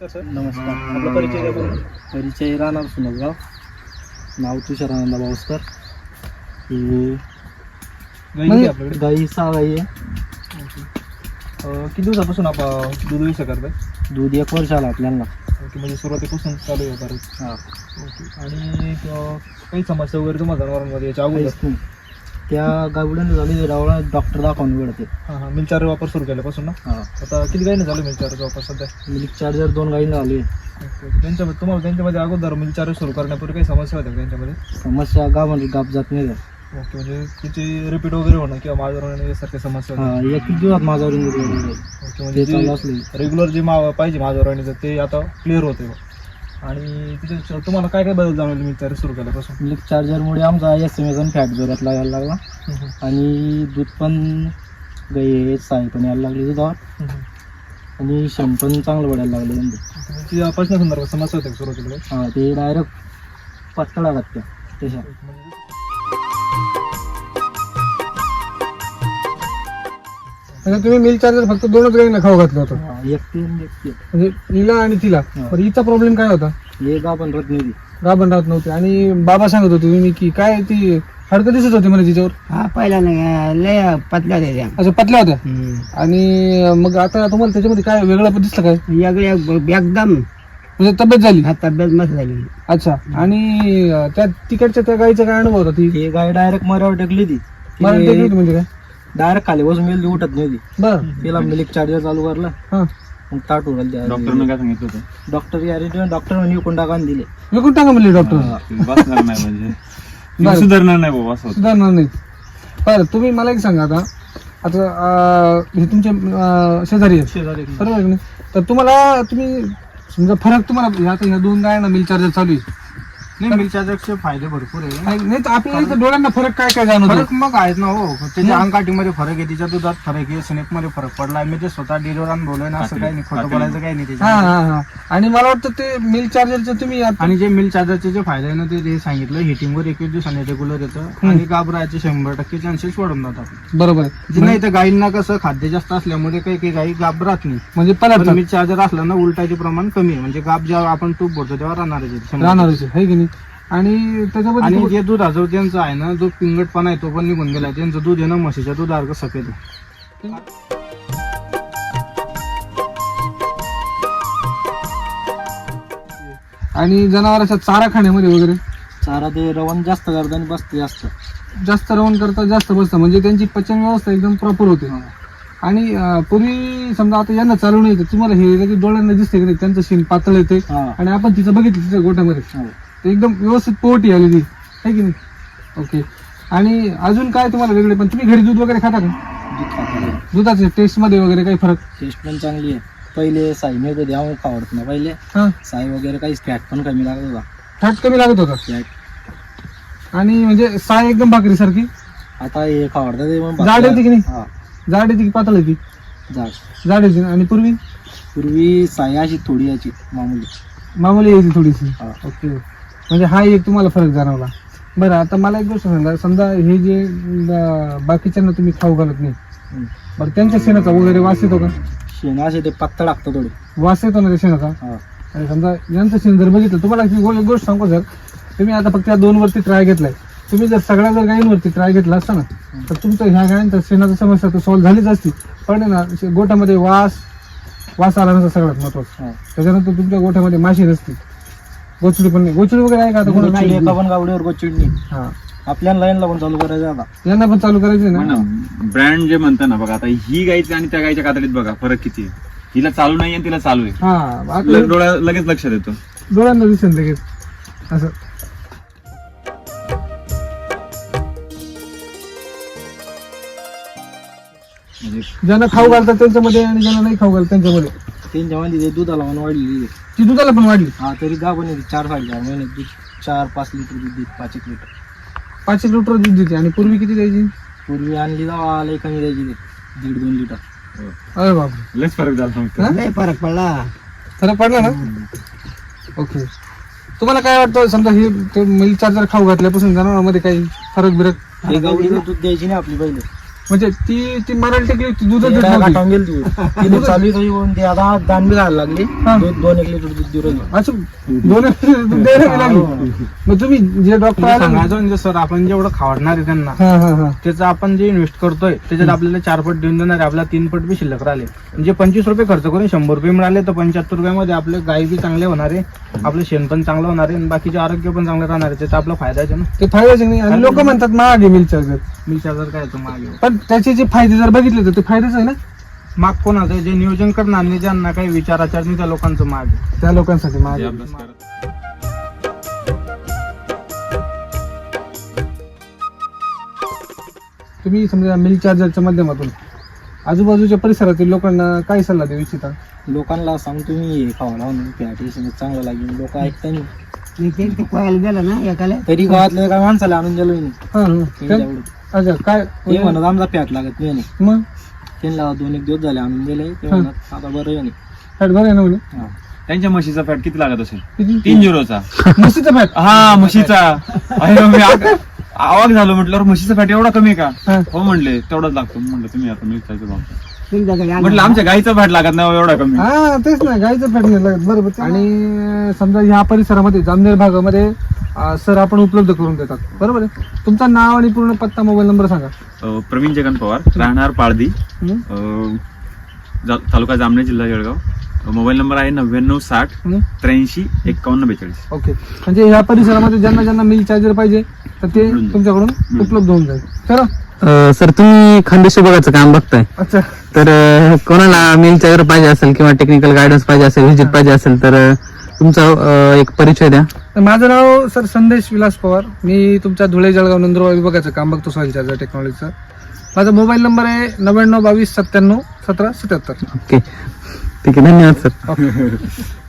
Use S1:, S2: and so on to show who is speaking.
S1: नमस्कार. आपला परिचय राहणार सुनगाव. नाव तुषारानंद बावस्कर. गाई 6 गाई आहे.
S2: किती दिवसापासून आपण दूध विषय करताय?
S1: दूध 1 वर्ष आला आपल्याला.
S2: ओके, म्हणजे सुरुवातीपासून चालू आहे बरं.
S1: हां.
S2: ओके. आणि काही समस्या वगैरे तुम्हाला जनावरांमध्ये याच्या अगोदर?
S1: काहीच नाही. त्या गावड्याने झाली रावळा डॉक्टर दाखवून मिळते.
S2: हां, मिल्क चार्जर वापर सुरू केल्यापासून ना?
S1: हां.
S2: आता किती गाईने झालं मिल्क चार्जर वापर सध्या?
S1: मिल्क चार्जर 2 गाईने झाली.
S2: त्यांच्यामध्ये तुम्हाला त्यांच्यामध्ये अगोदर मिल्क चार्जर सुरू करण्यापूर्वी काही समस्या होत्या त्यांच्यामध्ये?
S1: समस्या गावामध्ये गाप जात नाही.
S2: ओके, म्हणजे तिची रिपीट वगैरे होणं किंवा माझ्यावर यासारख्या समस्या होत्या?
S1: हां, 1 दिवसात माझ्यावर
S2: ओके, म्हणजे रेग्युलर जे पाहिजे माझ्यावर ते आता क्लिअर होते. आणि तिथे तुम्हाला काय काय बदल जाणवले मिल्क चार्जर सुरू केल्यापासून?
S1: मिल्क चार्जरमुळे आमचा SMS आणि फॅट जोरात लागायला लागला. आणि दूध पण गाई साई पण यायला लागली दुधावर. आणि शेण पण चांगलं वाढायला लागलं.
S2: ती पचनासंदर्भात समस्या होते सुरुवातीला?
S1: हां, ते डायरेक्ट पातळा लागत्या त्याच्या.
S2: म्हणजे तुम्ही मिल्क चार्जर फक्त 2च गाईंना खाऊ घातलं होतं?
S1: एक
S2: म्हणजे हिला आणि तिला. पण हिचा प्रॉब्लेम काय होता?
S1: हे गाभण राहत नाही.
S2: गाभण राहत नव्हते. आणि बाबा सांगत होते तुम्ही की काय ती हडकं दिसत होती म्हणजे तिच्यावर?
S3: हा, पहिला लय पतल्या होत्या.
S2: अच्छा, पतल्या होत्या. आणि मग आता तुम्हाला त्याच्यामध्ये काय वेगळं दिसलं काय?
S3: एकदम
S2: म्हणजे तब्येत झाली?
S3: हा, तब्येत मस्त झाली.
S2: अच्छा. आणि त्या तिकडच्या त्या गाईचा काय अनुभव होता?
S1: ती गाय डायरेक्ट मरावर टेकली. ती
S2: मला टेकली होती म्हणजे काय?
S1: डायरेक्ट खाली बसून गेली, उठत नाही ती.
S2: बरं.
S1: तिला मिल्क चार्जर चालू करला.
S2: हां.
S1: मग ताट उघडलं.
S4: डॉक्टरने काय सांगितलं होतं?
S1: डॉक्टर म्हणे विकून टाका आणि दिले.
S2: विकून टाका म्हणले डॉक्टर?
S4: बसणार नाही म्हणजे सुधारणार नाही बाबा, असं
S2: सुधारणार नाही. बरं, तुम्ही मला एक सांगा आता हे तुमचे शेजारी आहेत बरोबर आहे की नाही? तर तुम्ही समजा फरक तुम्हाला आता ह्या 2 गायांना मिल्क चार्जर चालू आहे
S1: नाही, मिल्क चार्जरचे फायदे भरपूर आहे.
S2: नाही, तर आपल्याला इथं डोळ्यांना फरक काय काय जाणवतो?
S1: फरक मग आहेत ना हो. त्याच्या अंगकाठीमध्ये फरक आहे, तिच्या दुधात फरक आहे, स्नेकमध्ये फरक पडला. मी ते स्वतः डिलिव्हर अनुभवलंय ना. असं काही नाही, खोटं बोलायचं काही नाही
S2: हा
S1: त्याच्या.
S2: हा हा. आणि मला वाटतं ते मिल्क चार्जरचं तुम्ही
S1: आणि जे मिल्क चार्जरचे जे फायदे आहे ना, ते सांगितलं हिटिंगवर 21 दिवसांनी रेग्युलर येतं. आणि घाबरायचे 100% चान्सेस वाढून जातात.
S2: बरोबर आहे.
S1: जे नाही तर गाईंना कसं खाद्य जास्त असल्यामुळे काही गाई घाबरत नाही.
S2: म्हणजे पलट
S1: मिल्क चार्जर असलं ना, उलटायचे प्रमाण कमी आहे. म्हणजे गाब जेव्हा आपण तूप भरतो तेव्हा राहणारच
S2: आहे की नाही? आणि त्याच्यामध्ये
S1: आणि जे दूध जो त्यांचं आहे ना, जो पिंगटपणा आहे तो पण निघून गेला. त्यांचं दूध आहे ना, म्हशीच्या दुधासारखं सफेद आहे.
S2: आणि जनावरांच्या चारा खाण्यामध्ये वगैरे
S1: चारा ते रवण जास्त करतात आणि बसते
S2: जास्त रवण करता, जास्त बसतं. म्हणजे त्यांची पचन व्यवस्था एकदम प्रॉपर होते. आणि पूर्वी समजा आता यांना चालू नाही तर तुम्हाला हे लगेच डोळ्यांना दिसते की नाही, त्यांचं शेण पातळ येते. आणि आपण तिचं बघितलं तिच्या गोठ्यामध्ये ते एकदम व्यवस्थित पोटी आलेली आहे की नाही? ओके. आणि अजून काय तुम्हाला वेगळे? पण तुम्ही घरी दूध वगैरे खाता का? दुधाच्या टेस्ट मध्ये वगैरे काही फरक?
S1: टेस्ट पण चांगली आहे. पहिले साई मिळत होती, आम्हाला आवडत ना. पहिले साई वगैरे काही फॅट पण कमी लागत होता.
S2: फॅट कमी लागत होता
S1: फॅट.
S2: आणि म्हणजे साय एकदम भाकरी सारखी.
S1: आता हे आवडतं.
S2: जाड येते की नाही? जाड येते की पातळ येते? जाड येते. आणि
S1: पूर्वी साई अशी थोडी याची
S2: मामूली यायची थोडीशी. ओके. म्हणजे हा एक तुम्हाला फरक जाणवला. बरं, आता मला एक गोष्ट सांगा. समजा हे जे बाकीच्यांना तुम्ही खाऊ घालत नाही, बरं त्यांच्या शेणाचा वगैरे वास येतो का?
S1: शेणाचे ते पत्ता टाकतो थोडे,
S2: वास येतो ना त्या शेणाचा. आणि समजा यांचं शेण जर बघितलं, तुम्हाला एक गोष्ट सांगू सर, तुम्ही आता फक्त या 2 वरती ट्राय घेतलाय. तुम्ही जर सगळ्या गायींवरती ट्राय घेतला असता ना, तर तुमचं ह्या गायांचा शेणाची समस्या तर सॉल्व्ह झालीच असती. पण ना गोठ्यामध्ये वास आला नसता सगळ्यात महत्वाचं. त्याच्यानंतर तुमच्या गोठ्यामध्ये माशी नसती, गोचडी पण नाही. गोचडी वगैरे आहे का आता?
S1: एका पण गावडीवर गोचडी नाही.
S2: हा,
S1: आपल्याला लाईनला पण चालू करायचं आता.
S2: यांना पण चालू करायचे ना.
S4: ब्रँड जे म्हणता ना बघा, आता ही गायची आणि त्या गायच्या कातडीत बघा फरक किती आहे. हिला चालू नाही आणि तिला चालू आहे.
S2: हा,
S4: डोळ्या लगेच लक्षात येतो.
S2: डोळ्यांना दिसेल लगेच असं. ज्यांना खाऊ घालतात त्यांच्यामध्ये आणि ज्यांना नाही खाऊ घालतात त्यांच्यामध्ये
S1: त्यांच्यामध्ये दुधाला पण वाढलेली.
S2: ती दुधाला पण वाढली.
S1: हा, तरी गाभण येते 4-4 महिने दूध. 4-5 लिटर दूध देत. 5-1 लिटर.
S2: 5 लिटर दूध देते. आणि पूर्वी किती द्यायची?
S1: पूर्वी आणली जावा लई कमी द्यायची, 1.5-2 लिटर.
S2: अरे बापरे,
S4: लयच फरक झाला.
S3: लय फरक पडला.
S2: फरक पडला ना? ओके. तुम्हाला काय वाटतं, समजा हे मिल्क चार्जर खाऊ घातल्यापासून जनावरांमध्ये काही फरक बिरक?
S1: गावडीला दूध द्यायची नाही आपली पहिले.
S2: म्हणजे ती मराठी टेकली होती, दूधच देत
S1: ते
S2: नव्हती.
S1: गाठावून गेली ती. ती दूध चालू आहे, तरी पण ते आता दान बी घालायला लागली.
S2: हा.
S1: 2-1 लिटर दूध देऊ राहिली.
S2: अच्छा, 2 दूध द्यायला बी लागली. मग तुम्ही जे डॉक्टर आले ना-
S5: सांगायचं म्हणजे सर आपण जेवढं खावडणार आहे त्यांना
S2: हा हा हा
S5: त्याचं आपण जे इन्व्हेस्ट करतोय त्याच्यात आपल्याला 4 पट देऊन देणार आहे, आपल्याला 3 पट बी शिल्लक राहिले. म्हणजे 25 रुपये खर्च करून 100 रुपये मिळाले तर 75 रुपयामध्ये आपले गाय बी चांगले होणार आहे, आपलं शेण पण चांगलं होणार आहे आणि बाकीचे आरोग्य पण चांगलं राहणार आहे. त्याचा आपला फायदा आहे ना.
S2: ते फायद्याचे नाही. आणि लोक म्हणतात महाग आहे मिल्क चार्जर,
S5: मिलच्या जर काय मागे
S2: पण त्याचे जे फायदे जर बघितले तर ते फायदेच आहे ना
S5: माग कोणाचं आहे? जे नियोजन करणार नाही, ज्यांना काही विचाराचार नाही त्या लोकांचं माग आहे.
S2: त्या लोकांसाठी महाग
S4: जे
S2: आहे.
S4: अभ्यास करत
S2: तुम्ही समजा मिल्क चार्जरच्या माध्यमातून आजूबाजूच्या परिसरातील लोकांना काय सल्ला देऊ इच्छिता?
S1: लोकांना सांगतो मी खावाला म्हणून फॅट चांगलं लागेल. लोक ऐकता नाही.
S3: मी ते कोणाला गेलं ना एकाला
S1: तरी गावातल्या एका माणसाला आणून दिलो मी.
S2: हा हा
S1: त्यांच्या
S2: त्या-
S1: आवडीत.
S2: अच्छा काय
S1: ते म्हणत आमचा फॅट लागत नाही म्हणे.
S2: मग
S1: त्यांना 2-1 दिवस झाले आणून दिले. ते म्हणत आता बरं आहे म्हणे.
S2: फॅट बरं आहे ना म्हणे
S1: हा.
S4: त्यांच्या म्हशीचा फॅट किती लागत असेल?
S2: किती
S4: 3-0चा.
S2: म्हशीचं फॅट
S4: हा म्हशीचा. अरे मी आवाज झालो म्हटल्यावर म्हशीचा फॅट एवढा कमी आहे का?
S2: हा.
S4: हो म्हणले तेवढाच लागतो. म्हणलं तुम्ही आता मिरच्याचं भाव
S3: तुमच्याकडे आलं.
S4: म्हटलं आमच्या गाईचा फॅट लागत नाही हो एवढा कमी.
S2: हा तेच ना गाईचं फॅट नाही लागत बरोबर. आणि समजा ह्या परिसरामध्ये जामनेर भागामध्ये सर आपण उपलब्ध करून देतात बरोबर आहे. तुमचं नाव आणि पूर्ण पत्ता मोबाईल नंबर सांगा.
S4: प्रवीण जगन पवार, राहणार पाळदी,
S2: हं?
S4: तालुका जामनेर, जिल्हा जळगाव. मोबाईल नंबर आहे 9960
S2: हं?
S4: 83 51 42.
S2: ओके. म्हणजे ह्या परिसरामध्ये ज्यांना मिल्क चार्जर पाहिजे तर ते तुमच्याकडून उपलब्ध होऊन जाईल. चला
S6: सर तुम्ही खानदेश विभागाचं काम बघताय,
S2: अच्छा
S6: तर कोणाला मिल चार्जर पाहिजे असेल किंवा टेक्निकल गायडन्स पाहिजे असेल, व्हिजिट पाहिजे असेल तर तुमचा एक परिचय द्या.
S2: माझं नाव सर संदेश विलास पवार. मी तुमच्या धुळे जळगाव नंदुरबार विभागाचं काम बघतो सॉइल चार्जर टेक्नॉलॉजीचं. माझा मोबाईल नंबर आहे 99 22 97 17 77.
S6: ओके ठीक आहे, धन्यवाद सर.